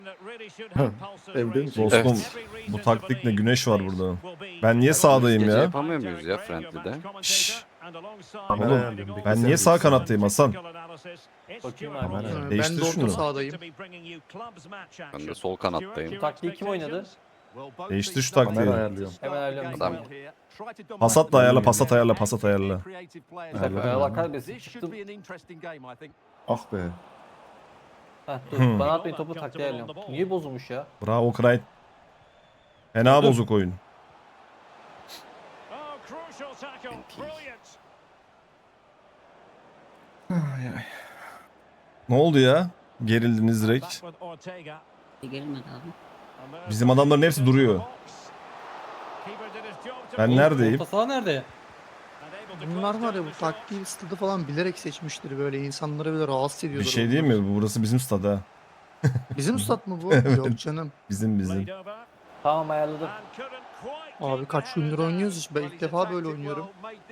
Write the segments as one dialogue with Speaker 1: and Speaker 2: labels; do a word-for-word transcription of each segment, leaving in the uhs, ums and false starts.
Speaker 1: Evde mi?
Speaker 2: Dostum bu taktikle güneş var burada. Ben niye sağdayım
Speaker 3: Gece
Speaker 2: ya?
Speaker 3: yapamıyor muyuz ya Friendly'de?
Speaker 2: Şşş.
Speaker 1: Kamera
Speaker 2: Oğlum,
Speaker 1: ayarlıyorum, bekle
Speaker 2: ben
Speaker 1: sen
Speaker 2: niye
Speaker 1: bir
Speaker 2: sağ
Speaker 1: saniye.
Speaker 2: kanattayım Hasan?
Speaker 4: Bakayım
Speaker 1: Kamera
Speaker 4: abi.
Speaker 1: ayarlıyorum.
Speaker 5: Ben
Speaker 2: Değiştir
Speaker 5: de orta
Speaker 2: şunu.
Speaker 5: sahadayım.
Speaker 3: Ben de sol kanattayım.
Speaker 4: Taktiği kim oynadı?
Speaker 2: Değiştir şu
Speaker 1: Kamera
Speaker 2: taktiği.
Speaker 1: ayarlıyorum.
Speaker 4: Hemen ayarlıyorum.
Speaker 3: Adam.
Speaker 2: Pasat da ayarla, pasat ayarla, pasat ayarla.
Speaker 4: Bak Allah kahretsin çıktım.
Speaker 1: Ah be.
Speaker 4: Heh, dur
Speaker 2: Hmm.
Speaker 4: bana atmayın topu taktiği ayarlıyorum. Niye bozulmuş ya?
Speaker 2: Bravo Kray. Fena bozuk oyun. Ne oldu ya? Gerildiniz direkt.
Speaker 6: Gerilmedi abi.
Speaker 2: Bizim adamların hepsi duruyor. Ben neredeyim?
Speaker 7: Orta saha nerede?
Speaker 5: Bunlar var ya bu taktiği stadı falan bilerek seçmiştir böyle insanları böyle rahatsız
Speaker 2: Bir
Speaker 5: ediyordur.
Speaker 2: şey değil mi? Burası bizim stada. ha.
Speaker 5: Bizim stat mı bu?
Speaker 2: Evet.
Speaker 5: Yok canım.
Speaker 2: Bizim bizim.
Speaker 4: Tamam ayarladım.
Speaker 5: Abi kaç gündür oynuyoruz hiç. Ben ilk defa böyle oynuyorum.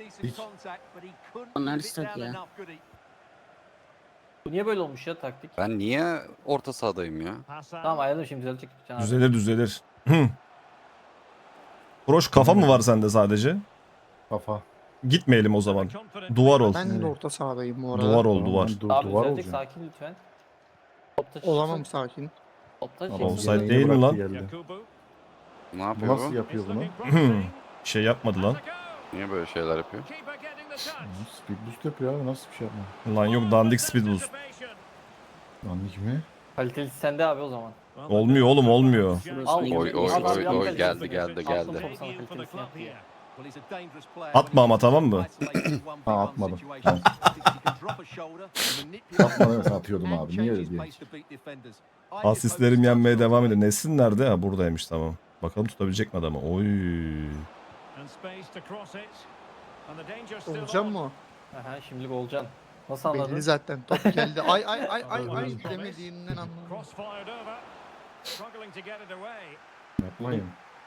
Speaker 6: Onlar stat ya.
Speaker 4: Bu niye böyle olmuş ya taktik?
Speaker 3: Ben niye orta sahadayım ya?
Speaker 4: Tamam ayarladım şimdi düzelecek. Can abi.
Speaker 2: Düzelir düzelir. Hı. Proş kafa mı var sende sadece?
Speaker 1: Kafa.
Speaker 2: Gitmeyelim o zaman. Duvar ol.
Speaker 5: Ben de orta sahadayım bu arada.
Speaker 2: Duvar ol
Speaker 1: Tamam,
Speaker 2: duvar.
Speaker 1: ben du-
Speaker 4: Abi
Speaker 1: duvar
Speaker 4: düzelecek
Speaker 1: olacağım.
Speaker 4: sakin lütfen. Topta
Speaker 5: Olamam sakin.
Speaker 4: Topta
Speaker 1: Ama
Speaker 4: şey.
Speaker 2: Offside
Speaker 1: yemeğini
Speaker 2: değil mi
Speaker 1: bıraktı
Speaker 2: lan?
Speaker 1: geldi.
Speaker 3: Ne
Speaker 1: Bu
Speaker 3: yapıyor
Speaker 1: nasıl
Speaker 3: bu?
Speaker 1: yapıyor bunu?
Speaker 2: Hı. Şey yapmadı lan.
Speaker 3: Niye böyle şeyler yapıyor?
Speaker 1: Speed boost yapıyor abi, nasıl bir şey yapma.
Speaker 2: Lan yok dandik speed boost.
Speaker 1: Dandik mi?
Speaker 4: Kaliteli sende abi o zaman.
Speaker 2: Olmuyor oğlum olmuyor.
Speaker 4: Al.
Speaker 3: Oy, oy,
Speaker 4: Al, al,
Speaker 3: oy,
Speaker 4: al,
Speaker 3: oy,
Speaker 4: al,
Speaker 3: geldi,
Speaker 4: al,
Speaker 3: geldi,
Speaker 4: al,
Speaker 3: geldi.
Speaker 4: topu sana kalitesini yap diye.
Speaker 2: Atma ama, tamam mı?
Speaker 1: Ha, atmadım. Tamam. Atmadım, mesela atıyordum abi. Niye öyle diye.
Speaker 2: Asistlerim yenmeye devam ediyor. Nesin nerede? Ha buradaymış, tamam. Bakalım tutabilecek mi adamı? Oy.
Speaker 5: Olacağım mı o?
Speaker 4: Aha şimdilik olacaksın. Nasıl anladın?
Speaker 5: Belli zaten. Top geldi. Ay ay ay ay ay demediğinden anladım.
Speaker 1: Yapmayın.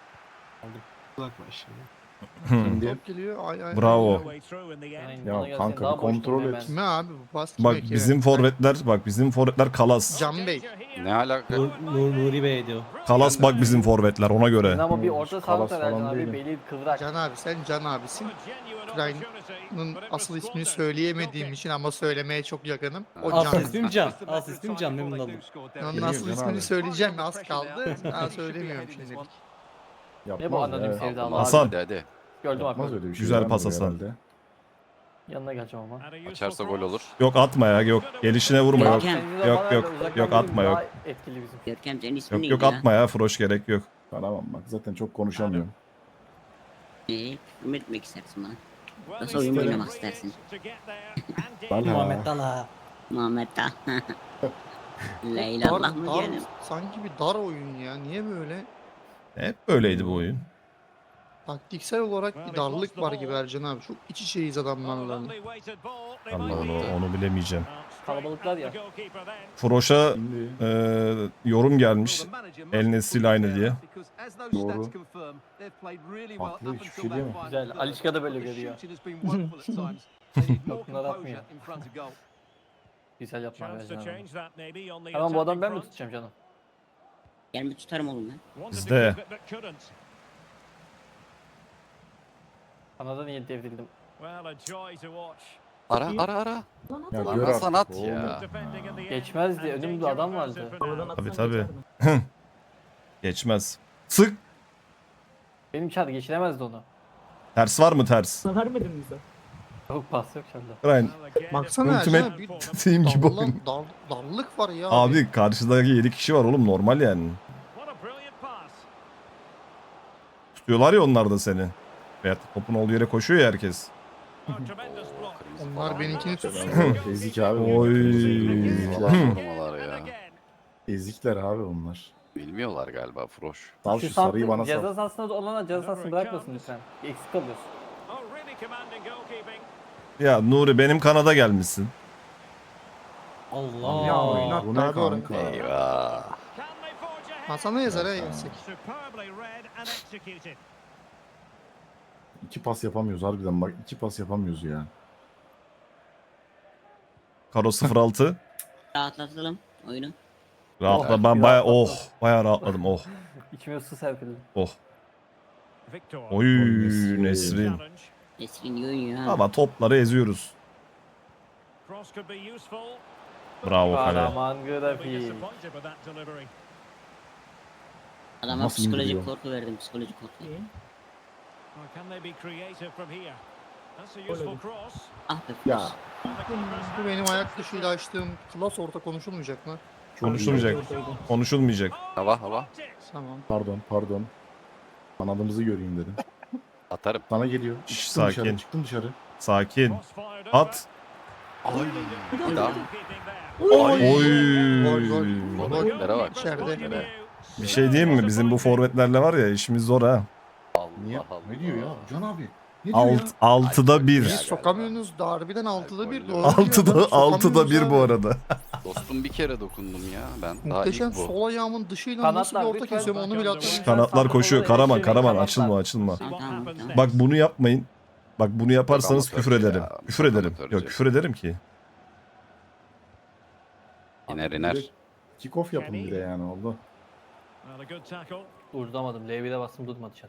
Speaker 2: Hı.
Speaker 1: Şimdi
Speaker 5: Top geliyor. Ay ay.
Speaker 2: Bravo.
Speaker 4: Aynen,
Speaker 1: Ya
Speaker 4: bana gelsene,
Speaker 1: kanka,
Speaker 4: daha
Speaker 1: bir
Speaker 4: boş
Speaker 1: kontrol
Speaker 4: durma
Speaker 1: et.
Speaker 4: hemen.
Speaker 5: Kime abi bu pas? Kime
Speaker 2: Bak
Speaker 5: kime?
Speaker 2: bizim forvetler, bak bizim forvetler kalas.
Speaker 5: Can Bey.
Speaker 3: Ne alaka?
Speaker 7: Nur, Nur, Nuri Bey diyor.
Speaker 2: Kalas bak bizim forvetler ona
Speaker 4: Senin
Speaker 2: göre.
Speaker 4: ama bir
Speaker 1: Hmm,
Speaker 4: orta
Speaker 1: kalas
Speaker 4: saha
Speaker 1: falan
Speaker 4: Ercan abi
Speaker 1: değilim.
Speaker 4: beli kıvrak.
Speaker 5: Can abi sen Can abisin. Ukrayna'nın asıl ismini söyleyemediğim için ama söylemeye çok yakınım. O
Speaker 7: As
Speaker 5: Can.
Speaker 7: ismim Can. As ismim Can, memnun oldum.
Speaker 5: Onun
Speaker 1: Biliyorum
Speaker 5: asıl
Speaker 1: Can
Speaker 5: ismini
Speaker 1: abi.
Speaker 5: söyleyeceğim az kaldı. Daha söylemiyorum şimdi.
Speaker 4: Ne bu
Speaker 1: Yapmaz
Speaker 4: anonim
Speaker 1: ya.
Speaker 4: sevdalı
Speaker 2: Hasan.
Speaker 4: abi.
Speaker 3: Hadi hadi.
Speaker 4: Gördüm
Speaker 1: Yapmaz
Speaker 4: abi.
Speaker 1: öyle bir şey.
Speaker 2: Güzel
Speaker 1: yapmıyor
Speaker 2: pas Hasan.
Speaker 1: herhalde.
Speaker 4: Yanına geleceğim ama.
Speaker 3: Açarsa gol olur.
Speaker 2: Yok atma ya, yok. Gelişine vurma, yok.
Speaker 6: Görkem.
Speaker 4: Senin de
Speaker 2: Yok,
Speaker 4: bana
Speaker 2: yok,
Speaker 4: ver, uzaktan
Speaker 2: yok,
Speaker 4: vurayım,
Speaker 2: atma, yok.
Speaker 4: daha Etkili bizim.
Speaker 6: Görkem senin ismin
Speaker 2: Yok
Speaker 6: neydi
Speaker 2: yok
Speaker 6: ya?
Speaker 2: atma ya, Froş gerek yok.
Speaker 1: Tamam bak, zaten çok konuşamıyorum.
Speaker 6: Ee, küfür etmek istersin bana. Nasıl oyun oynamak istersin?
Speaker 1: Bana.
Speaker 7: Muhammed Dala.
Speaker 6: Muhammed Ta. Leyla Allah
Speaker 5: Dar,
Speaker 6: mı
Speaker 5: dar,
Speaker 6: diyelim?
Speaker 5: sanki bir dar oyun ya. Niye böyle?
Speaker 2: Hep böyleydi bu oyun.
Speaker 5: Taktiksel olarak bir darlık var gibi Ercan abi. Çok iç içeyiz adamlarla.
Speaker 2: Allah onu, onu bilemeyeceğim.
Speaker 4: Kalabalıklar ya.
Speaker 2: Froş'a
Speaker 1: Şimdi
Speaker 2: e, yorum gelmiş. El Nesri'yle aynı diye.
Speaker 1: Doğru. Haklı, hiçbir şey diyemem.
Speaker 4: Güzel. Alişka da böyle görüyor. Yok, bunlar atmıyor. Güzel yapma Ercan abi. Tamam bu adam ben mi tutacağım canım?
Speaker 6: Gel mi tutarım oğlum ben?
Speaker 2: Bizde.
Speaker 4: Kanada niye devrildim?
Speaker 3: Ara ara ara.
Speaker 1: Ya
Speaker 3: Lan
Speaker 1: gör
Speaker 3: Hasan
Speaker 1: artık
Speaker 3: at
Speaker 1: oğlum.
Speaker 3: ya.
Speaker 4: Geçmezdi. Önümde adam vardı.
Speaker 2: Tabii tabii. Geçmez. Sık.
Speaker 4: Benim çar geçiremezdi onu.
Speaker 2: Ters var mı ters?
Speaker 4: Yok pas yok çarda.
Speaker 2: Ryan.
Speaker 5: Baksana
Speaker 2: Ultimate
Speaker 5: Ercan abi. Bir
Speaker 2: team gibi
Speaker 5: darla-
Speaker 2: oyun.
Speaker 5: dar, darlık var ya.
Speaker 2: Abi karşıdaki yedi kişi var oğlum, normal yani. Tutuyorlar ya onlar da seni. Veyahut da topun olduğu yere koşuyor ya herkes.
Speaker 5: Onlar benimkini tutsun.
Speaker 1: Ezik abi.
Speaker 2: Oy.
Speaker 1: Ezikler.
Speaker 3: Formalar ya.
Speaker 1: Ezikler abi onlar.
Speaker 3: Bilmiyorlar galiba Froş.
Speaker 1: Sal şu sarıyı bana
Speaker 4: ceza
Speaker 1: sal.
Speaker 4: sahasında olana ceza sahasını bırakmasın lütfen. Eksik kalıyorsun.
Speaker 2: Ya Nuri benim kanada gelmişsin.
Speaker 7: Allah.
Speaker 5: Ya oynat
Speaker 1: Bu ne
Speaker 5: abi oraya.
Speaker 1: kanka?
Speaker 3: Eyvah.
Speaker 5: Hasan'a yazar ha yersek.
Speaker 1: İki pas yapamıyoruz harbiden, bak iki pas yapamıyoruz ya.
Speaker 2: Karo sıfır altı.
Speaker 6: Rahatlatalım oyunu.
Speaker 2: Rahatla ben baya oh baya rahatladım oh
Speaker 4: İçime su serpildi.
Speaker 2: oh. Oy
Speaker 1: Nesrin.
Speaker 2: Nesrin.
Speaker 6: Nesrin iyi oynuyor ha.
Speaker 2: Ama topları eziyoruz. Bravo kale.
Speaker 4: Kahraman grafik.
Speaker 6: Adama
Speaker 1: Nasıl
Speaker 6: psikolojik
Speaker 1: indiriyor?
Speaker 6: korku verdim, psikolojik korku. Ah be.
Speaker 1: Ya
Speaker 5: Bu benim ayak dışıyla açtığım klas orta konuşulmayacak mı?
Speaker 2: Konuşulmayacak. Konuşulmayacak.
Speaker 3: Hava hava.
Speaker 5: Tamam.
Speaker 1: pardon pardon. Kanadımızı göreyim dedim.
Speaker 3: Atarım.
Speaker 1: Sana geliyor.
Speaker 2: Şş,
Speaker 1: Çıktım
Speaker 2: sakin.
Speaker 1: dışarı çıktım dışarı.
Speaker 2: Sakin. At.
Speaker 3: Ay. Daha.
Speaker 2: Oy.
Speaker 5: Gol gol.
Speaker 3: Forvetlere bak.
Speaker 5: İçeride.
Speaker 2: Bir şey diyeyim mi? Bizim bu forvetlerle var ya işimiz zor ha.
Speaker 1: Niye?
Speaker 3: Allah Allah.
Speaker 1: Ne diyor ya? Can abi. Ne diyor
Speaker 2: Alt,
Speaker 1: ya?
Speaker 2: altıda
Speaker 5: Biz
Speaker 2: bir.
Speaker 5: sokamıyorsunuz da harbiden altıda bir. Doğru
Speaker 2: Altıda,
Speaker 5: diyor adam,
Speaker 2: altıda bir bu
Speaker 5: sokamıyoruz abi.
Speaker 2: arada.
Speaker 3: Dostum bir kere dokundum ya. Ben daha
Speaker 5: Muhteşem
Speaker 3: ilk bu.
Speaker 5: sol ayağımın dışıyla nasıl bir
Speaker 4: Kanatlar
Speaker 5: orta
Speaker 4: lütfen.
Speaker 5: kesiyorum onu bile atamıyorum.
Speaker 2: Kanatlar koşuyor. Karaman, Karaman
Speaker 4: Kanatlar.
Speaker 2: açılma, açılma.
Speaker 6: Tamam tamam tamam.
Speaker 2: Bak bunu yapmayın. Bak bunu yaparsanız
Speaker 3: Çok
Speaker 2: küfür
Speaker 3: amatörce
Speaker 2: ederim.
Speaker 3: ya.
Speaker 2: Küfür
Speaker 3: Çok
Speaker 2: ederim.
Speaker 3: amatörce.
Speaker 2: Yok küfür ederim ki.
Speaker 3: İner iner.
Speaker 1: Kick off yapın bir de yani oldu.
Speaker 4: Durdamadım. L bir'e bastım durmadı dışarı.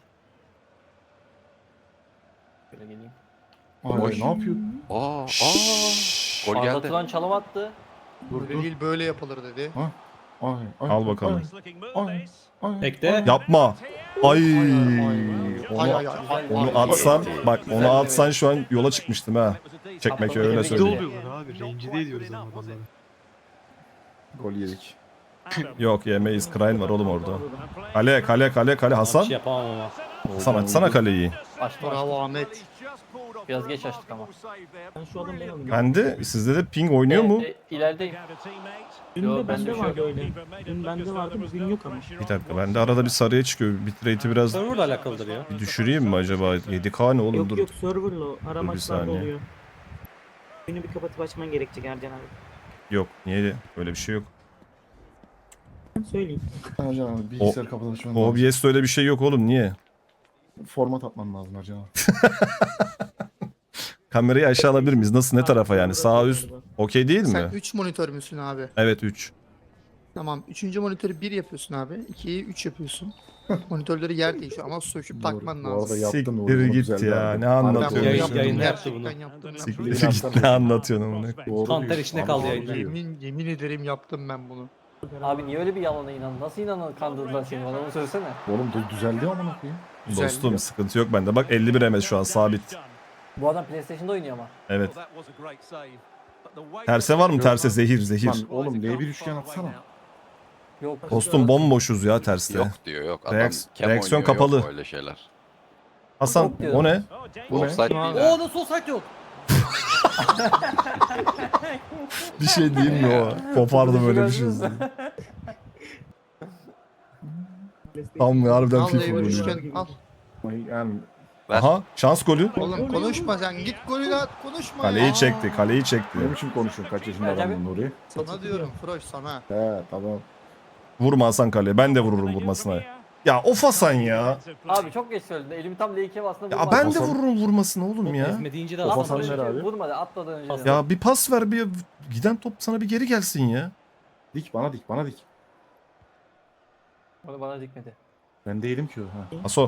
Speaker 4: Böyle geleyim.
Speaker 1: Ay,
Speaker 3: Boş.
Speaker 1: ne yapıyor?
Speaker 3: Aa, aa. Gol
Speaker 4: Arda
Speaker 3: geldi.
Speaker 4: Turan çalım attı.
Speaker 1: Dur
Speaker 5: Böyle
Speaker 1: dur.
Speaker 5: değil böyle yapılır dedi.
Speaker 1: Ay, ay,
Speaker 2: Al bakalım.
Speaker 1: Ay, ay,
Speaker 7: Bekle.
Speaker 1: ay.
Speaker 2: Yapma. Ay.
Speaker 5: Ay ay ay.
Speaker 4: Güzel
Speaker 2: Onu
Speaker 4: gol.
Speaker 2: atsan bak onu atsan şu an yola çıkmıştım ha. Çekmek öyle
Speaker 4: Tebrik
Speaker 2: söyleyeyim.
Speaker 4: ediyorum.
Speaker 8: abi. Rencide ediyoruz ama adamları.
Speaker 1: Gol yedik.
Speaker 2: Yok yemeyiz. Krayn var oğlum orada. Kale kale kale kale
Speaker 7: Bir
Speaker 2: Hasan.
Speaker 7: şey yapamam ama.
Speaker 2: Hasan açsana kaleyi.
Speaker 4: Açtım
Speaker 5: Bravo
Speaker 4: açtım.
Speaker 5: Ahmet.
Speaker 4: Biraz geç açtık ama.
Speaker 8: Ben şu adamı beğenmedim.
Speaker 2: Bende sizde de ping oynuyor mu?
Speaker 4: E, e, ilerideyim.
Speaker 8: Dün
Speaker 4: Yo,
Speaker 8: de
Speaker 4: bende
Speaker 8: bende
Speaker 4: bir şey
Speaker 8: vardı
Speaker 4: yok.
Speaker 8: öyle. Dün bende vardı bugün yok ama.
Speaker 2: Bir dakika bende arada bir sarıya çıkıyor. Bitrate'i biraz
Speaker 7: Server'la alakalıdır ya.
Speaker 2: bir düşüreyim mi acaba? yedi K ne oğlum
Speaker 8: Yok
Speaker 2: dur.
Speaker 8: yok serverla o. Ara
Speaker 2: Dur bir
Speaker 8: maçlarda
Speaker 2: saniye.
Speaker 8: oluyor. Günü bir kapatıp açman gerekecek Ercan abi.
Speaker 2: Yok niye öyle bir şey yok.
Speaker 8: Ben söyleyeyim.
Speaker 1: Ercan abi bilgisayar kapalı açman lazım.
Speaker 2: O B S'te öyle bir şey yok oğlum niye?
Speaker 1: Format atman lazım Ercan abi.
Speaker 2: Kamerayı aşağı alabilir miyiz? Nasıl ne tarafa yani? Sağ üst okey değil
Speaker 5: Sen
Speaker 2: mi?
Speaker 5: üç monitör müsün abi?
Speaker 2: Evet üç.
Speaker 5: Tamam. üçüncü monitörü bir yapıyorsun abi. ikiyi üç yapıyorsun. Monitörleri yer değişiyor ama söküp takman
Speaker 1: Bu arada
Speaker 5: lazım.
Speaker 1: yaptın
Speaker 2: Siktir
Speaker 1: oğlum, bunu
Speaker 2: git
Speaker 1: güzel
Speaker 2: ya,
Speaker 1: verdin.
Speaker 2: ne
Speaker 1: Harbiden
Speaker 2: anlatıyorsun?
Speaker 1: bunu
Speaker 7: Yayın-
Speaker 1: yaptın.
Speaker 7: yayında
Speaker 1: Ya.
Speaker 7: yaptı bunu.
Speaker 5: Gerçekten yaptım ben.
Speaker 1: Siktir
Speaker 2: Siktir git ne anlatıyorsun amına?
Speaker 1: Doğru
Speaker 7: Kanter
Speaker 1: diyor.
Speaker 7: içinde
Speaker 1: Abi,
Speaker 7: kaldı
Speaker 1: doğru
Speaker 7: yayında.
Speaker 1: diyor.
Speaker 5: Yemin, yemin ederim yaptım ben bunu.
Speaker 4: Abi niye öyle bir yalana inandın? Nasıl inandın kandırdılar seni? Bana onu söylesene.
Speaker 1: Oğlum du- düzeldi amına koyayım.
Speaker 5: Güzel
Speaker 2: Dostum
Speaker 5: ya.
Speaker 2: sıkıntı yok bende. Bak elli bir M S şu an sabit.
Speaker 4: Bu adam PlayStation'da oynuyor ama.
Speaker 2: Evet. Terse var mı terse zehir zehir.
Speaker 1: Lan oğlum L bir üçgen atsana.
Speaker 4: Yok.
Speaker 2: Dostum bomboşuz ya terste.
Speaker 3: Yok diyor yok. Adam
Speaker 2: Reaks-
Speaker 3: kem
Speaker 2: reaksiyon
Speaker 3: oynuyor,
Speaker 2: kapalı.
Speaker 3: Yok öyle şeyler.
Speaker 2: Hasan
Speaker 4: Yok diyorum.
Speaker 2: o ne?
Speaker 1: Bu ne?
Speaker 3: Offside değil ha.
Speaker 7: Oo nasıl olsaydı yok.
Speaker 2: Bir şey diyeyim mi o? Kopardı böyle bir şey. Tam harbiden
Speaker 5: Al
Speaker 2: FIFA
Speaker 5: L bir
Speaker 2: golü.
Speaker 5: üçgen al.
Speaker 1: Yani
Speaker 3: Ver.
Speaker 2: Aha şans golü.
Speaker 5: Oğlum konuşma sen git golü at konuşma
Speaker 2: Kaleyi
Speaker 5: ya.
Speaker 2: çekti kaleyi çekti.
Speaker 1: ne biçim konuşuyorsun kaç yaşında adamın Nuri?
Speaker 5: Sana diyorum Froş sana.
Speaker 1: He tamam.
Speaker 2: Vurma Hasan kaleye. Ben de vururum vurmasına. Ya of Hasan ya.
Speaker 4: Abi çok geç söyledin. Elimi tam L ikiye bastım.
Speaker 2: Ya ben de vururum vurmasına oğlum ya.
Speaker 7: Ezme deyince de
Speaker 1: Of,
Speaker 7: Hasan
Speaker 1: Hasan
Speaker 7: başı.
Speaker 1: ver abi.
Speaker 4: Vurmadı atmadan önce. de.
Speaker 2: Ya bir pas ver bir giden top sana bir geri gelsin ya.
Speaker 1: Dik bana dik bana dik.
Speaker 4: Onu bana dikmedi.
Speaker 1: Ben değilim ki o. Ha.
Speaker 2: Aso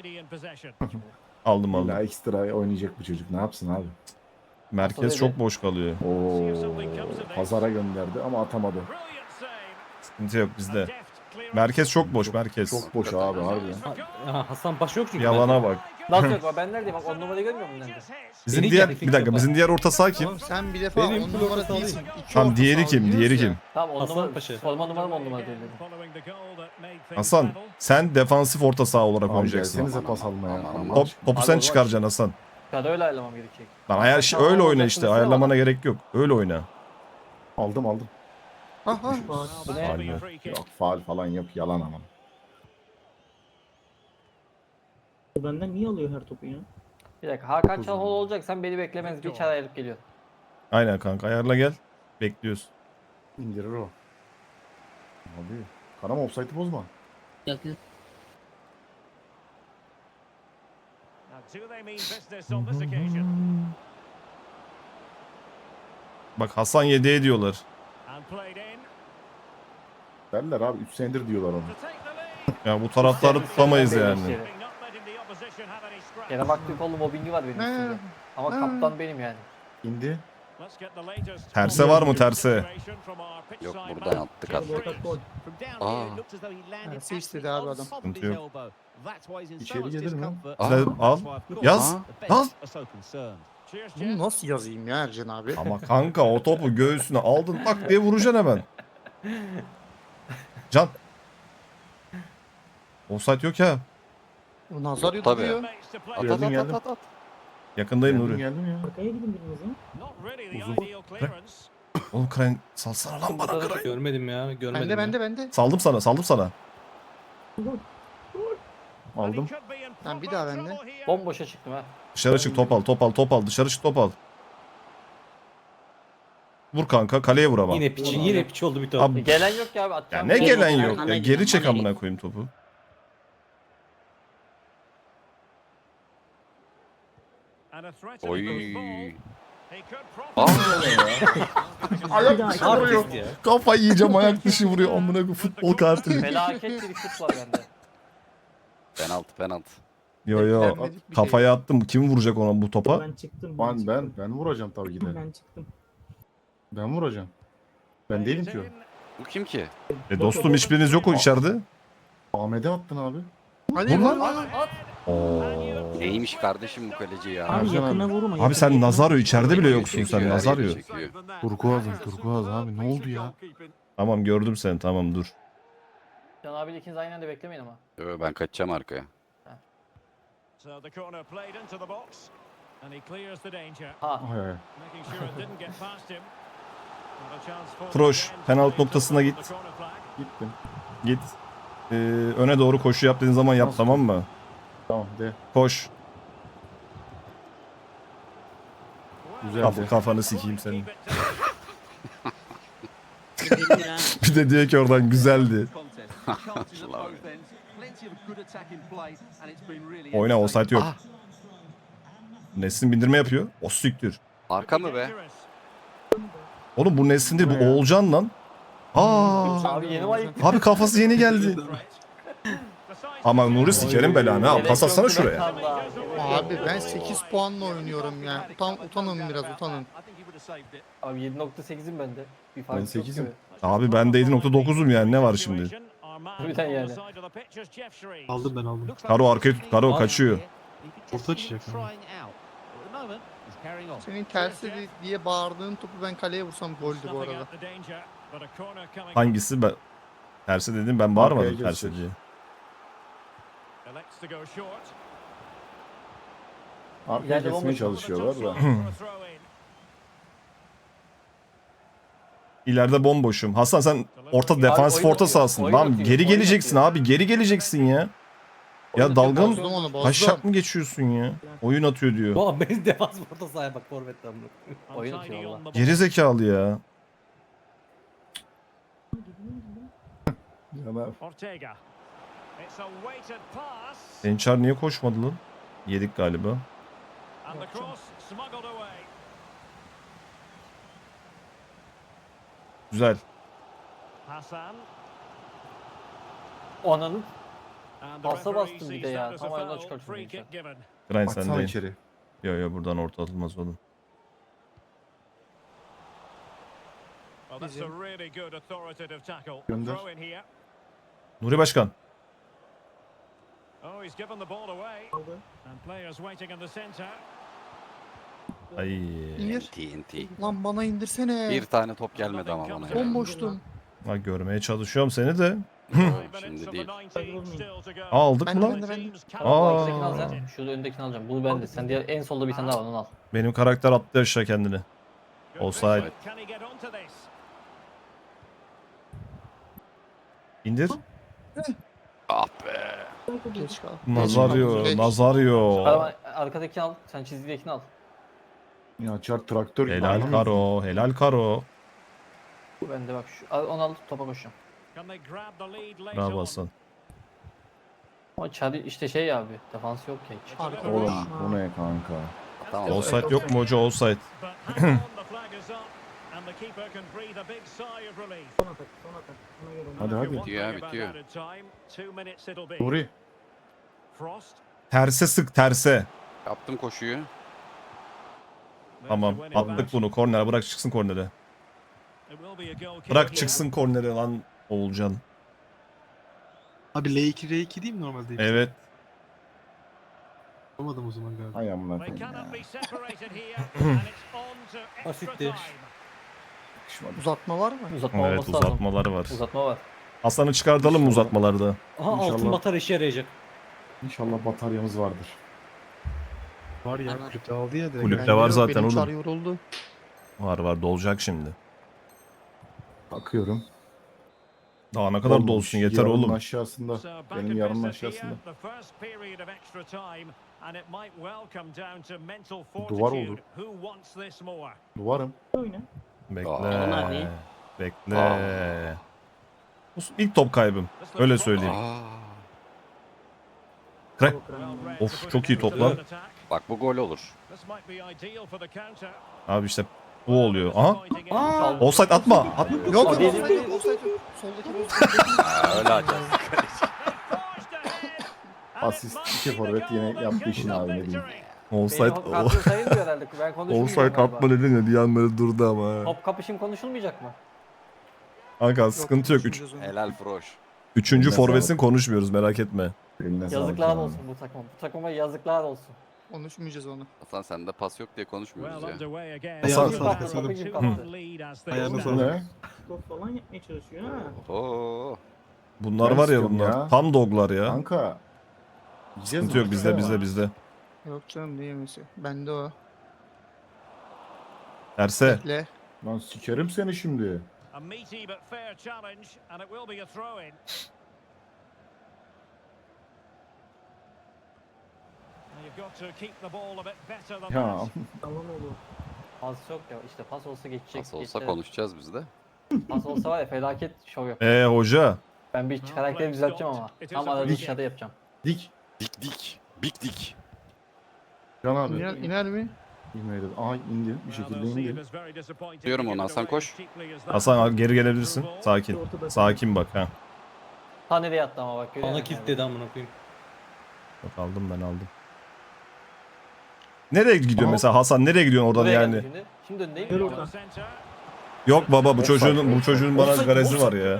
Speaker 2: aldım aldım.
Speaker 1: İlla ekstra oynayacak bu çocuk ne yapsın abi?
Speaker 2: Merkez çok boş kalıyor.
Speaker 1: Oo, pazara gönderdi ama atamadı.
Speaker 2: Sıkıntı yok bizde. Merkez çok boş merkez.
Speaker 1: Çok boş abi harbiden.
Speaker 7: Ha, Hasan başı yok çünkü.
Speaker 2: Yalana bak.
Speaker 4: Nasıl yok? Ben neredeyim? Bak on numarayı görmüyor musun nerede?
Speaker 2: Bizim
Speaker 7: Beni
Speaker 2: diğer
Speaker 7: geldi,
Speaker 2: bir dakika
Speaker 7: fikrim
Speaker 2: bizim diğer orta saha kim?
Speaker 5: Oğlum sen bir defa
Speaker 7: Benim
Speaker 5: on
Speaker 7: full
Speaker 5: numara
Speaker 7: orta
Speaker 5: değilsin. İki
Speaker 2: Tamam
Speaker 5: orta
Speaker 2: diğeri
Speaker 5: saha
Speaker 2: kim?
Speaker 5: oynuyoruz
Speaker 2: Diğeri
Speaker 5: ya.
Speaker 2: kim?
Speaker 4: Tamam on
Speaker 7: Hasan
Speaker 4: numara.
Speaker 7: Paşa.
Speaker 4: Forma numaram on numara değil dedim.
Speaker 2: Hasan sen defansif orta saha olarak
Speaker 1: Abi
Speaker 2: oynayacaksın.
Speaker 1: gelsenize pas almaya.
Speaker 3: Aman, aman.
Speaker 2: Top, topu
Speaker 4: Abi
Speaker 2: sen
Speaker 4: o
Speaker 2: çıkaracaksın Hasan.
Speaker 4: Ya da öyle ayarlamam gerekecek.
Speaker 2: Lan ayar şey, öyle oyna işte. Ayarlamana gerek yok. Öyle oyna.
Speaker 1: Aldım aldım.
Speaker 5: Aha.
Speaker 4: Bu ne?
Speaker 2: Faul.
Speaker 1: Yok faal falan yok yalan ama.
Speaker 8: Benden niye alıyor her topu ya?
Speaker 4: Bir dakika Hakan Çalhanoğlu olacak sen beni beklemez bir çare ayırıp geliyor.
Speaker 2: Aynen kanka ayarla gel. Bekliyoruz.
Speaker 1: İndirir o. Abi. Karama offside'ı bozma.
Speaker 6: Yok yok.
Speaker 2: Bak Hasan yedeğe diyorlar.
Speaker 1: Derler abi üç senedir diyorlar onu.
Speaker 2: Ya bu taraftarı tutamayız yani.
Speaker 4: Yine baktığı kolu mobbingi var benim
Speaker 5: Ne?
Speaker 4: üstümde. Ama
Speaker 5: Ne?
Speaker 4: kaptan benim yani.
Speaker 1: İndi.
Speaker 2: Terse var mı terse?
Speaker 3: Yok buradan attık attık. Aa.
Speaker 5: Tersi istedi abi adam.
Speaker 2: Sıkıntı yok.
Speaker 1: İçeri gelir mi?
Speaker 3: Aa.
Speaker 2: Size al. Yaz.
Speaker 3: Aa.
Speaker 2: Yaz.
Speaker 5: Bunu nasıl yazayım ya Ercan abi?
Speaker 2: Ama kanka o topu göğsüne aldın tak diye vuracaksın hemen. Can. Offside yok ya.
Speaker 5: O nazar
Speaker 3: Tabii.
Speaker 5: yutuluyor.
Speaker 3: At at
Speaker 1: Geldim,
Speaker 3: at
Speaker 1: geldim.
Speaker 3: at at.
Speaker 2: Yakındayım
Speaker 1: Geldim
Speaker 2: Nuri.
Speaker 1: geldim ya.
Speaker 8: Arkaya gidin biriniz ya.
Speaker 2: Oğlum Krayn salsana lan bana Krayn.
Speaker 7: Görmedim ya. Görmedim.
Speaker 5: Bende
Speaker 7: ya.
Speaker 5: bende bende.
Speaker 2: Saldım sana saldım sana.
Speaker 1: Aldım.
Speaker 5: Tamam, bir daha bende.
Speaker 4: Bomboşa çıktım ha.
Speaker 2: Dışarı çık top al top al top al dışarı çık top al. Vur kanka kaleye vur ama.
Speaker 7: Yine piçi, yine piçi oldu bir top.
Speaker 2: Abi,
Speaker 4: E, gelen yok ki abi
Speaker 2: ya
Speaker 4: atacağım.
Speaker 2: ne
Speaker 4: bir şey
Speaker 2: gelen
Speaker 4: yok.
Speaker 2: yok
Speaker 6: Arkana
Speaker 2: ya
Speaker 6: gidin,
Speaker 2: geri çek
Speaker 6: arkana
Speaker 2: amına
Speaker 6: gidin.
Speaker 2: koyayım topu.
Speaker 3: Oy.
Speaker 2: Aa,
Speaker 8: Bir daha
Speaker 7: Artist ya.
Speaker 2: kafayı yiyeceğim ayak dışı vuruyor amına koyayım futbol kartı.
Speaker 4: Felaket bir şut var bende.
Speaker 3: Penaltı penaltı.
Speaker 2: Yo yo
Speaker 5: Beklenmedik bir şey.
Speaker 2: kafaya attım kim vuracak ona bu topa?
Speaker 8: Ben çıktım.
Speaker 1: Ben ben ben vuracağım tabii ki de.
Speaker 8: Ben çıktım.
Speaker 1: Ben vuracağım. Ben değilim ki o.
Speaker 3: Bu kim ki?
Speaker 2: E dostum hiçbiriniz yok o içeride.
Speaker 1: Ahmet'e attın abi.
Speaker 5: Hadi
Speaker 2: Vur lan.
Speaker 5: vur lan.
Speaker 2: Oo.
Speaker 3: Neymiş kardeşim bu kaleci ya?
Speaker 8: Abi
Speaker 1: Ercan
Speaker 8: yakına
Speaker 1: abi.
Speaker 8: vurma.
Speaker 2: Abi
Speaker 8: yakına
Speaker 2: sen
Speaker 8: vurma.
Speaker 2: Nazario içeride bile yoksun sen
Speaker 3: Çekiyor,
Speaker 2: Nazario.
Speaker 3: çekiyor.
Speaker 1: Turkuaz'ım Turkuaz abi ne oldu ya?
Speaker 2: Tamam gördüm seni tamam dur.
Speaker 4: Can abiyle ikiniz aynı anda beklemeyin ama.
Speaker 3: Yo, ben kaçacağım arkaya.
Speaker 4: Ha.
Speaker 1: Ay ay.
Speaker 2: Troş penaltı noktasına git.
Speaker 1: Gittim.
Speaker 2: Git. Ee, öne doğru koşu yap dediğin zaman yap
Speaker 1: Nasıl?
Speaker 2: tamam mı?
Speaker 1: Tamam de.
Speaker 2: Koş.
Speaker 1: Güzeldi.
Speaker 2: Kaf kafanı sikeyim senin.
Speaker 6: Gidelim ya.
Speaker 2: Bir de diyor ki oradan güzeldi. Oyna offside yok.
Speaker 3: Ah.
Speaker 2: Nesin bindirme yapıyor. O siktir.
Speaker 3: Arka mı be?
Speaker 2: Oğlum bu Nesin değil bu Oğulcan lan. Aa.
Speaker 4: Abi yeni var.
Speaker 2: Abi kafası yeni geldi. Ama Nuri sikerim belanı ha. Pas atsana şuraya.
Speaker 5: Abi ben sekiz puanla oynuyorum ya. Utan, utanın biraz utanın.
Speaker 4: Abi yedi nokta sekizim bende. Bir fark
Speaker 1: Ben
Speaker 4: yok
Speaker 1: sekizim.
Speaker 4: gibi.
Speaker 2: Abi ben de yedi nokta dokuzum yani ne var şimdi?
Speaker 4: Harbiden yani.
Speaker 7: Aldım ben aldım.
Speaker 2: Karo arkaya tut. Karo kaçıyor.
Speaker 7: Orta açacak.
Speaker 5: Senin tersi di- diye bağırdığın topu ben kaleye vursam goldü bu arada.
Speaker 2: Hangisi? Ben... Tersi dedim ben
Speaker 1: Arkaya
Speaker 2: bağırmadım
Speaker 1: geçecek.
Speaker 2: tersi diye.
Speaker 1: Arkaya
Speaker 4: İleride
Speaker 1: kesmeye
Speaker 4: bomboş.
Speaker 1: çalışıyorlar da.
Speaker 2: İleride bomboşum. Hasan sen orta defansif
Speaker 4: oyun
Speaker 2: orta
Speaker 4: atıyor,
Speaker 2: sahasın.
Speaker 4: oyun
Speaker 2: Lan
Speaker 4: atıyor,
Speaker 2: geri
Speaker 4: oyun
Speaker 2: geleceksin
Speaker 4: atıyor.
Speaker 2: abi. Geri geleceksin ya. Ya dalga mı?
Speaker 5: Bozdum onu bozdum.
Speaker 2: Taşak mı geçiyorsun ya? Oyun atıyor diyor.
Speaker 7: Bu abi benim defans orta sahaya bak forvetten bunu.
Speaker 4: Oyun atıyor valla.
Speaker 2: Geri zekalı ya.
Speaker 1: Yanar.
Speaker 2: Ençar niye koşmadı lan? Yedik galiba. Güzel.
Speaker 4: Ananın pasa bastım bir de ya. Tam ayağına çıkarttım.
Speaker 2: Grind
Speaker 1: Baksana
Speaker 2: sendeyim.
Speaker 1: içeri.
Speaker 2: Yo yo buradan orta atılmaz oğlum.
Speaker 1: Gönder.
Speaker 2: Nuri Başkan. Ay.
Speaker 5: İndir.
Speaker 3: T N T.
Speaker 5: Lan bana indirsene.
Speaker 3: Bir tane top gelmedi ama bana. ya.
Speaker 5: Bomboştum.
Speaker 2: Ha, görmeye çalışıyorum seni de.
Speaker 3: Yo, Şimdi değil.
Speaker 2: Aa, aldık
Speaker 5: Ben
Speaker 2: mı
Speaker 5: de
Speaker 2: lan?
Speaker 5: ben de ben de.
Speaker 2: Aa.
Speaker 4: Arkadakini al sen. Şurada öndekini alacağım. Bunu ben de. Sen diğer en solda bir tane daha var onu al.
Speaker 2: Benim karakter attı aşağı kendini. Offside. İndir.
Speaker 3: Ah be.
Speaker 5: Geç kal.
Speaker 2: Nazario,
Speaker 5: Geç.
Speaker 2: Nazario.
Speaker 4: Araba, arkadakini al. Sen çizgidekini al.
Speaker 1: Ya çar traktör gibi.
Speaker 2: Helal
Speaker 1: anlamıyorsun.
Speaker 2: Karo, helal Karo.
Speaker 4: Bu bende bak. Şu, al- onu al topa koşacağım.
Speaker 2: Bravo Hasan.
Speaker 4: Ama Çari işte şey abi. Defans yok ya hiç.
Speaker 5: Arka boş.
Speaker 1: Oğlum bu ne kanka?
Speaker 3: Tamam.
Speaker 2: Offside yok mu hoca? Offside.
Speaker 8: Son atak, son atak. Ona göre ona.
Speaker 1: Hadi hadi.
Speaker 3: Bitiyor ya, bitiyor.
Speaker 1: Nuri.
Speaker 2: Terse sık terse.
Speaker 3: Yaptım koşuyu.
Speaker 2: Tamam attık bunu korner, bırak çıksın kornere. Bırak çıksın kornere lan Oğulcan.
Speaker 7: Abi L iki R iki değil mi normalde?
Speaker 2: Evet.
Speaker 7: Yapamadım o zaman galiba.
Speaker 1: Hay amına koyayım ya.
Speaker 7: Basitti.
Speaker 5: Uzatma var mı?
Speaker 4: Uzatma
Speaker 2: Evet
Speaker 4: olması lazım.
Speaker 2: uzatmaları var.
Speaker 4: Uzatma var.
Speaker 2: Hasan'ı çıkartalım mı uzatmalarda?
Speaker 7: Aha altın
Speaker 1: İnşallah.
Speaker 7: batar işe yarayacak.
Speaker 1: İnşallah bataryamız vardır.
Speaker 7: Var ya
Speaker 6: Var.
Speaker 7: kulüpte aldı ya direkt.
Speaker 2: Kulüpte
Speaker 5: Bende
Speaker 2: var
Speaker 5: yok,
Speaker 2: zaten
Speaker 5: benim
Speaker 2: oğlum.
Speaker 5: çar yoruldu.
Speaker 2: Var var dolacak şimdi.
Speaker 1: Bakıyorum.
Speaker 2: Daha ne kadar
Speaker 1: Olmamış.
Speaker 2: dolsun yeter
Speaker 1: Yarının
Speaker 2: oğlum.
Speaker 1: aşağısında. Benim yarının aşağısında. Duvar oldu. Duvarım.
Speaker 8: Oyna.
Speaker 2: Bekle.
Speaker 6: Aa. abi.
Speaker 2: Bekle.
Speaker 3: Aa.
Speaker 2: Bu ilk top kaybım. Öyle söyleyeyim.
Speaker 3: Aa,
Speaker 2: Kre- Of çok iyi top lan.
Speaker 3: bak bu gol olur.
Speaker 2: Abi işte bu oluyor. Aha.
Speaker 4: Aa!
Speaker 2: Offside atma. At.
Speaker 5: Yok
Speaker 4: Hadi.
Speaker 5: yok offside yok, offside yok. Soldaki offside.
Speaker 3: Ha, öyle açacağız.
Speaker 1: Asist iki forvet yine yaptı işini abi ne diyeyim.
Speaker 2: Offside.
Speaker 4: Benim kartım sayılmıyor herhalde. Ben konuşmayacağım
Speaker 2: Offside
Speaker 4: galiba.
Speaker 2: atma dedin ya bir an böyle durdu ama.
Speaker 4: Top kapışım konuşulmayacak mı?
Speaker 2: Kanka sıkıntı yok. Üç,
Speaker 5: konuşmayacağız onu.
Speaker 3: Helal Froş.
Speaker 2: üçüncü
Speaker 1: Eline
Speaker 2: forvetsin
Speaker 1: sağlık.
Speaker 2: konuşmuyoruz merak etme.
Speaker 1: Eline sağlık
Speaker 4: Yazıklar
Speaker 1: abi.
Speaker 4: olsun bu takıma. Bu takıma yazıklar olsun.
Speaker 5: Konuşmayacağız onu.
Speaker 3: Hasan sende pas yok diye konuşmuyoruz ya.
Speaker 7: Ayağını
Speaker 4: Kim
Speaker 7: sağlık
Speaker 4: kaptı?
Speaker 7: Hasan'ım.
Speaker 4: Topu kim kaptı?
Speaker 7: Ayağını
Speaker 1: Bu
Speaker 7: sağlık.
Speaker 1: ne?
Speaker 8: Top falan yapmaya çalışıyor ha.
Speaker 3: Oo.
Speaker 2: Bunlar
Speaker 1: Ben
Speaker 2: var ya
Speaker 1: istiyorum
Speaker 2: bunlar.
Speaker 1: ya.
Speaker 2: Tam doglar ya.
Speaker 1: Kanka. Yiyeceğiz
Speaker 2: Sıkıntı
Speaker 1: mi?
Speaker 2: yok bizde bizde bizde.
Speaker 5: Yok canım ne yemesi. Bende o.
Speaker 2: Terse.
Speaker 5: Bekle.
Speaker 1: Lan sikerim seni şimdi. Ya
Speaker 8: Tamam oğlum.
Speaker 4: Pas yok ya. İşte pas olsa geçecek.
Speaker 3: Nasıl olsa
Speaker 4: geçecek.
Speaker 3: konuşacağız biz de.
Speaker 4: Pas olsa var ya felaket şov yap.
Speaker 2: Ee hoca.
Speaker 4: Ben bir karakteri düzelteceğim ama. Tam arada dışarıda yapacağım.
Speaker 1: dik.
Speaker 3: Dik dik. Big dik.
Speaker 1: Can abi.
Speaker 5: İner, iner mi?
Speaker 1: İnmedi. Aha indi. Bir şekilde indi.
Speaker 3: Diyorum ona, Hasan koş.
Speaker 2: Hasan geri gelebilirsin. Sakin.
Speaker 8: Ortada.
Speaker 2: Sakin bak ha.
Speaker 4: Ta nereye attı ama bak görüyor
Speaker 7: Bana
Speaker 4: musun?
Speaker 7: kilitledi amına koyayım.
Speaker 2: Bak aldım ben aldım. Nereye gidiyor
Speaker 1: Aa.
Speaker 2: mesela Hasan nereye gidiyorsun oradan
Speaker 4: Buraya
Speaker 2: yani?
Speaker 4: geldi Şimdi, şimdi önündeyim.
Speaker 8: Gel
Speaker 4: ya.
Speaker 8: oradan.
Speaker 2: Yok baba bu
Speaker 1: Offside,
Speaker 2: çocuğun bu
Speaker 1: offside.
Speaker 2: çocuğun bana
Speaker 1: Offside,
Speaker 2: garezi var
Speaker 1: offside.
Speaker 2: ya.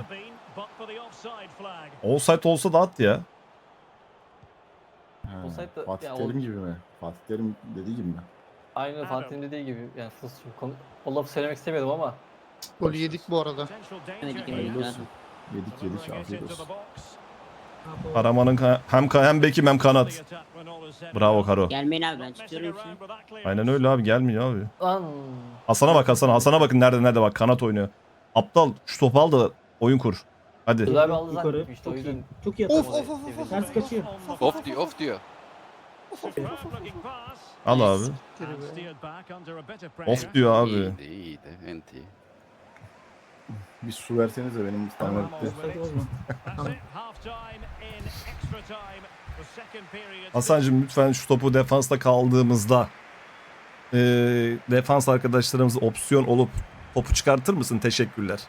Speaker 2: Offside olsa da at ya.
Speaker 1: Ha,
Speaker 4: Offside de-
Speaker 1: Fatih
Speaker 4: ya
Speaker 1: Terim
Speaker 4: oğlum.
Speaker 1: gibi mi? Fatih Terim dediği gibi mi?
Speaker 4: Aynı Fatih'in dediği gibi. Yani fıs, konu, o lafı söylemek istemiyordum ama.
Speaker 5: Golü yedik bu arada.
Speaker 6: Yedik,
Speaker 1: Hayırlı
Speaker 6: yedik.
Speaker 1: olsun. Yedik yedik afiyet olsun.
Speaker 8: Ha, doğru.
Speaker 2: Karaman'ın ka- hem ka- hem bekim hem kanat. Bravo Karo.
Speaker 6: Gelmeyin abi ben tutuyorum şimdi.
Speaker 2: Aynen öyle abi gelmiyor abi.
Speaker 4: Lan.
Speaker 2: Hasan'a bak Hasan'a. Hasan'a bakın nerede nerede bak kanat oynuyor. Aptal şu topu al da oyun kur. Hadi.
Speaker 4: Güzel bir aldı
Speaker 8: Yukarı.
Speaker 4: zannettim işte o
Speaker 8: Çok
Speaker 4: yüzden.
Speaker 8: iyi. Çok iyi
Speaker 5: Of
Speaker 8: atak.
Speaker 5: of of of.
Speaker 8: Ters kaçıyor.
Speaker 3: Off diyor, off diyor.
Speaker 2: Al abi. Of diyor abi.
Speaker 3: İyiydi, iyiydi. Enti.
Speaker 1: Bir su versenize benim stamina bitti.
Speaker 8: Offside olma. Tamam.
Speaker 2: Hasan'cığım lütfen şu topu defansta kaldığımızda eee, defans arkadaşlarımız opsiyon olup topu çıkartır mısın? Teşekkürler.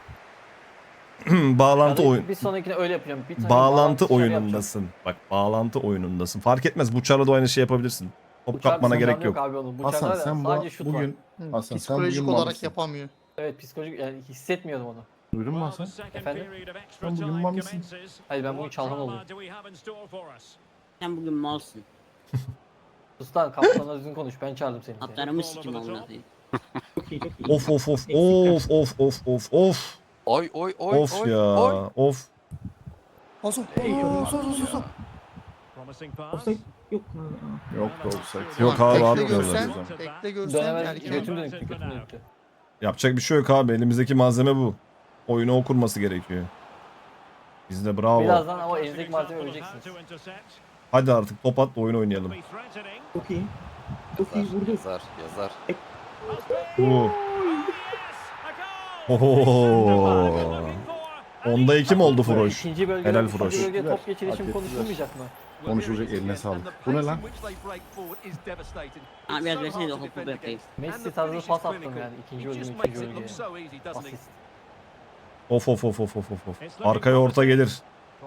Speaker 2: bağlantı
Speaker 4: Ya da
Speaker 2: oyun
Speaker 4: Bir sonrakine öyle yapacağım. Bir tane
Speaker 2: bağlantı
Speaker 4: dışarı
Speaker 2: oyunundasın. Bak bağlantı oyunundasın. Fark etmez. Buçarla da aynı şey yapabilirsin. Top
Speaker 4: Bıçak
Speaker 2: kapmana
Speaker 4: sınırları
Speaker 2: gerek yok.
Speaker 4: Abi onun.
Speaker 1: Hasan
Speaker 4: Bıçaklar
Speaker 1: sen bu,
Speaker 4: sadece şut var.
Speaker 1: bugün
Speaker 5: Hı,
Speaker 1: Hasan, sen
Speaker 5: Psikolojik
Speaker 1: bugün
Speaker 5: olarak
Speaker 1: malısın.
Speaker 5: yapamıyor.
Speaker 4: Evet psikolojik yani hissetmiyordum onu.
Speaker 1: duydun mu Hasan?
Speaker 4: Efendim?
Speaker 1: Sen bugün mal mısın?
Speaker 4: Hayır ben bugün çalhan oldum.
Speaker 6: Sen bugün malsın.
Speaker 4: Sus lan kaptanla düzgün konuş ben çağırdım seni.
Speaker 6: Atlarımı sikim onunla koyayım.
Speaker 8: Çok iyi çok iyi.
Speaker 2: Of of of of of of of of
Speaker 3: Oy oy oy
Speaker 2: of
Speaker 3: oy,
Speaker 2: ya
Speaker 3: oy.
Speaker 2: of.
Speaker 5: Hasan.
Speaker 8: Ey,
Speaker 5: Aa, Hasan Hasan Hasan.
Speaker 8: Offside yok. Ha, ha.
Speaker 1: Yok da offside.
Speaker 2: Yok
Speaker 5: Ulan
Speaker 2: abi,
Speaker 5: bekle
Speaker 2: atmıyorlar.
Speaker 5: görsen, bekle görsen
Speaker 4: Dönemez
Speaker 5: erken.
Speaker 4: götüm dönüktü götüm dönüktü.
Speaker 2: Yapacak bir şey yok abi. Elimizdeki malzeme bu. Oyunu okurması gerekiyor. Biz de bravo.
Speaker 4: Birazdan ama elinizdeki malzeme öleceksiniz.
Speaker 2: Hadi artık top at da oyun oynayalım.
Speaker 8: Çok iyi. Çok iyi
Speaker 3: Yazar,
Speaker 8: vurdu.
Speaker 3: yazar, yazar.
Speaker 2: Oo. Oho. Onda iki mi oldu
Speaker 4: Böyle
Speaker 2: Froş?
Speaker 4: İkinci bölgede,
Speaker 2: Helal
Speaker 4: ikinci
Speaker 2: Froş.
Speaker 4: bölgede top
Speaker 1: Hak
Speaker 4: geçirişim
Speaker 1: ettiler.
Speaker 4: konuşulmayacak mı?
Speaker 1: Konuşulacak, eline sağlık. Bu ne lan?
Speaker 6: Abi biraz versene de hop hop yapayım.
Speaker 4: Messi tarzı pas attım yani. İkinci golü ikinci golü diye. Asist.
Speaker 2: Of of of of of of. of. Arkaya orta gelir.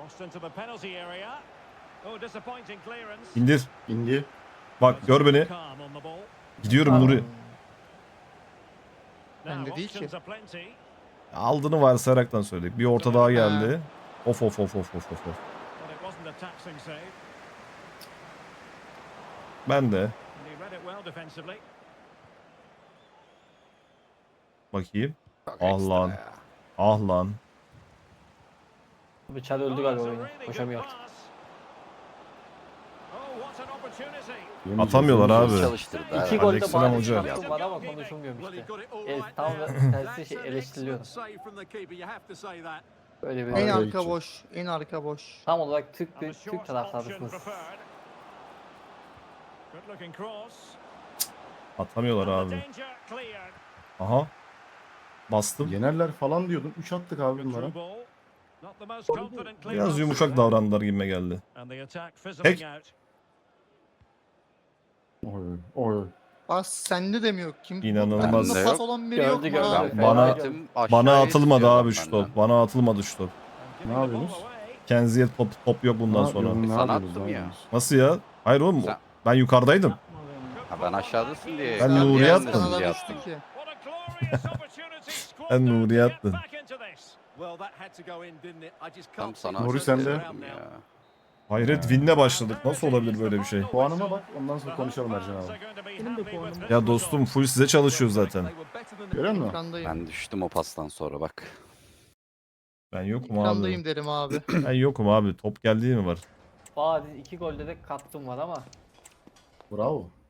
Speaker 2: İndir.
Speaker 1: İndi.
Speaker 2: Bak gör beni. Gidiyorum Nuri.
Speaker 5: Bende değil ki.
Speaker 2: Aldığını varsayaraktan söyledik. Bir orta daha geldi. Of of of of of of. of. Ben de. Bakayım.
Speaker 3: Çok
Speaker 2: Ah
Speaker 3: ekstra
Speaker 2: lan.
Speaker 3: ya.
Speaker 2: Ah lan.
Speaker 4: Bıçak öldü galiba oyunu. Koşamıyor artık.
Speaker 2: Atamıyorlar abi.
Speaker 3: Çalıştırdı.
Speaker 4: İki
Speaker 3: ha.
Speaker 4: golde
Speaker 2: Aleykümselam
Speaker 4: bari
Speaker 2: hoca.
Speaker 4: şansım var ama konuşulmuyor işte. El, tam tersi şey eleştiriliyordu. Öyle bir
Speaker 5: En
Speaker 1: Araya
Speaker 5: arka
Speaker 1: gidecek.
Speaker 5: boş. En arka boş.
Speaker 4: tam olarak Türk Türk taraftarısınız.
Speaker 2: Atamıyorlar abi. Aha. Bastım.
Speaker 1: Yenerler falan diyordum. üç attık abi bunlara.
Speaker 2: Biraz yumuşak davrandılar gibime geldi. Tek.
Speaker 1: Oy oy.
Speaker 5: Pas sende de mi yok? Kim?
Speaker 2: İnanılmaz.
Speaker 5: Bende
Speaker 3: Bende
Speaker 5: pas
Speaker 3: yok.
Speaker 5: olan biri
Speaker 4: Gördü,
Speaker 5: yok mu
Speaker 4: gördü.
Speaker 5: abi?
Speaker 4: Ben-
Speaker 2: Bana
Speaker 3: Tüm aşağıya
Speaker 2: bana atılmadı
Speaker 3: istiyorum
Speaker 2: abi şu
Speaker 3: benden.
Speaker 2: top. Bana atılmadı şu top.
Speaker 1: Ne yapıyorsunuz?
Speaker 2: Kenzi'ye top top yok bundan
Speaker 1: Ne
Speaker 2: sonra.
Speaker 1: yapıyorsun, ne
Speaker 3: Sana
Speaker 1: yapıyorsunuz,
Speaker 3: attım
Speaker 1: ne
Speaker 3: ya.
Speaker 1: yapıyorsunuz?
Speaker 2: Nasıl ya? Hayır oğlum.
Speaker 3: Sen-
Speaker 2: Ben yukarıdaydım.
Speaker 3: Ha, ben aşağıdasın diye.
Speaker 2: Ben
Speaker 5: Sen
Speaker 2: Nuri'ye
Speaker 5: diğer
Speaker 2: attım.
Speaker 5: kanala
Speaker 3: Diye
Speaker 5: düştü ki.
Speaker 2: Ben Nuri'ye attım.
Speaker 3: Tam sana
Speaker 1: Nuri
Speaker 3: asist
Speaker 1: sende.
Speaker 3: verdim ya.
Speaker 2: Hayret winle başladık. Nasıl olabilir böyle bir şey?
Speaker 1: Puanıma bak, ondan sonra konuşalım Ercan abi.
Speaker 8: Benim de puanım.
Speaker 2: Ya dostum full size çalışıyor zaten.
Speaker 1: Görüyor musun?
Speaker 5: Ekrandayım.
Speaker 3: Ben düştüm o pastan sonra bak.
Speaker 2: Ben yokum abi.
Speaker 5: Ekrandayım derim abi.
Speaker 2: Ben yokum abi. Top geldiği mi var?
Speaker 4: Bariz iki golde de kattım var ama
Speaker 1: Bravo.